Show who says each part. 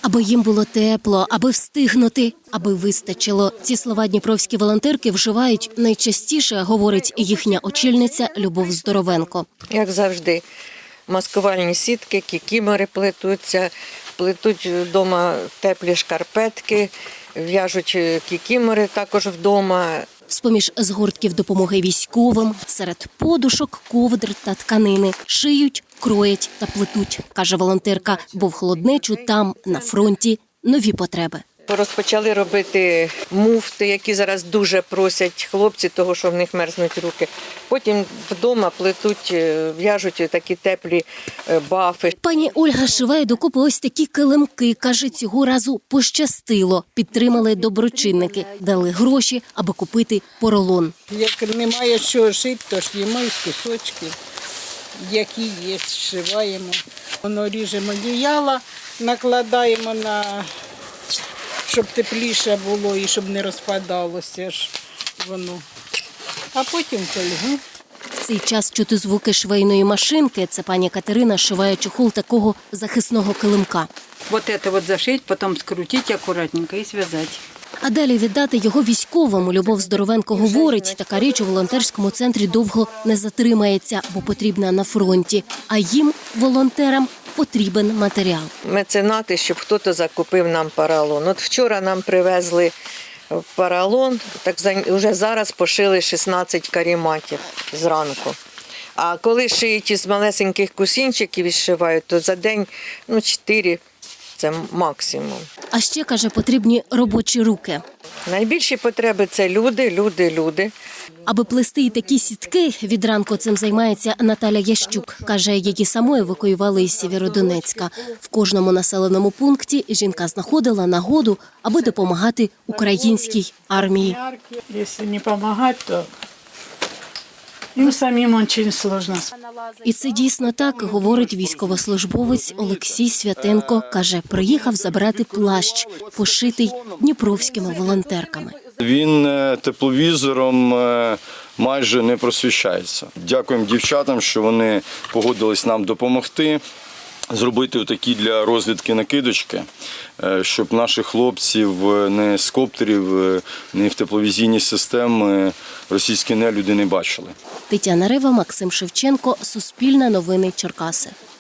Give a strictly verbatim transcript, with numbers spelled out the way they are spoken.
Speaker 1: Аби їм було тепло, аби встигнути, аби вистачило. Ці слова дніпровські волонтерки вживають найчастіше, говорить їхня очільниця Любов Здоровенко.
Speaker 2: Як завжди, маскувальні сітки, кікімори плетуться, плетуть вдома теплі шкарпетки, в'яжуть кікімори також вдома.
Speaker 1: З-поміж згортків допомоги військовим, серед подушок, ковдр та тканини шиють, кроять та плетуть, каже волонтерка, бо в холоднечу там, на фронті, нові потреби.
Speaker 2: Розпочали робити муфти, які зараз дуже просять хлопці, того, що в них мерзнуть руки. Потім вдома плетуть, в'яжуть такі теплі бафи.
Speaker 1: Пані Ольга шиває докупи ось такі килимки. Каже, цього разу пощастило. Підтримали доброчинники, дали гроші, аби купити поролон.
Speaker 3: Як немає що шити, то ш'ємо із кусочків, які є, зшиваємо. Воно ріжемо одіяла, накладаємо на... щоб тепліше було і щоб не розпадалося ж воно. А потім фольгу.
Speaker 1: В цей час чути звуки швейної машинки. Це пані Катерина шиває чохол такого захисного килимка.
Speaker 4: Вот это вот зашить, потом скрутить аккуратненько и связать.
Speaker 1: А далі віддати його військовому. Любов Здоровенко говорить, така річ у волонтерському центрі довго не затримається, бо потрібна на фронті. А їм, волонтерам, потрібен матеріал.
Speaker 2: Меценати, щоб хтось закупив нам поролон. От вчора нам привезли поролон, так вже зараз пошили шістнадцять карематів зранку. А коли шиють із малесеньких кусінчиків і зшивають, то за день ну, чотири – це максимум.
Speaker 1: А ще, каже, потрібні робочі руки.
Speaker 2: Найбільші потреби – це люди, люди, люди.
Speaker 1: Аби плести і такі сітки, від ранку цим займається Наталя Ящук. Каже, її саму евакуювали із Сєвєродонецька. В кожному населеному пункті жінка знаходила нагоду, аби допомагати українській армії.
Speaker 5: Якщо не допомагати, то їм самим дуже складно.
Speaker 1: І це дійсно так, говорить військовослужбовець Олексій Святенко. Каже, приїхав забрати плащ, пошитий дніпровськими волонтерками.
Speaker 6: Він тепловізором майже не просвіщається. Дякуємо дівчатам, що вони погодились нам допомогти зробити такі для розвідки накидочки, щоб наших хлопців не з коптерів, не в тепловізійні системи російські нелюди не бачили.
Speaker 1: Тетяна Рева, Максим Шевченко, Суспільне новини Черкаси.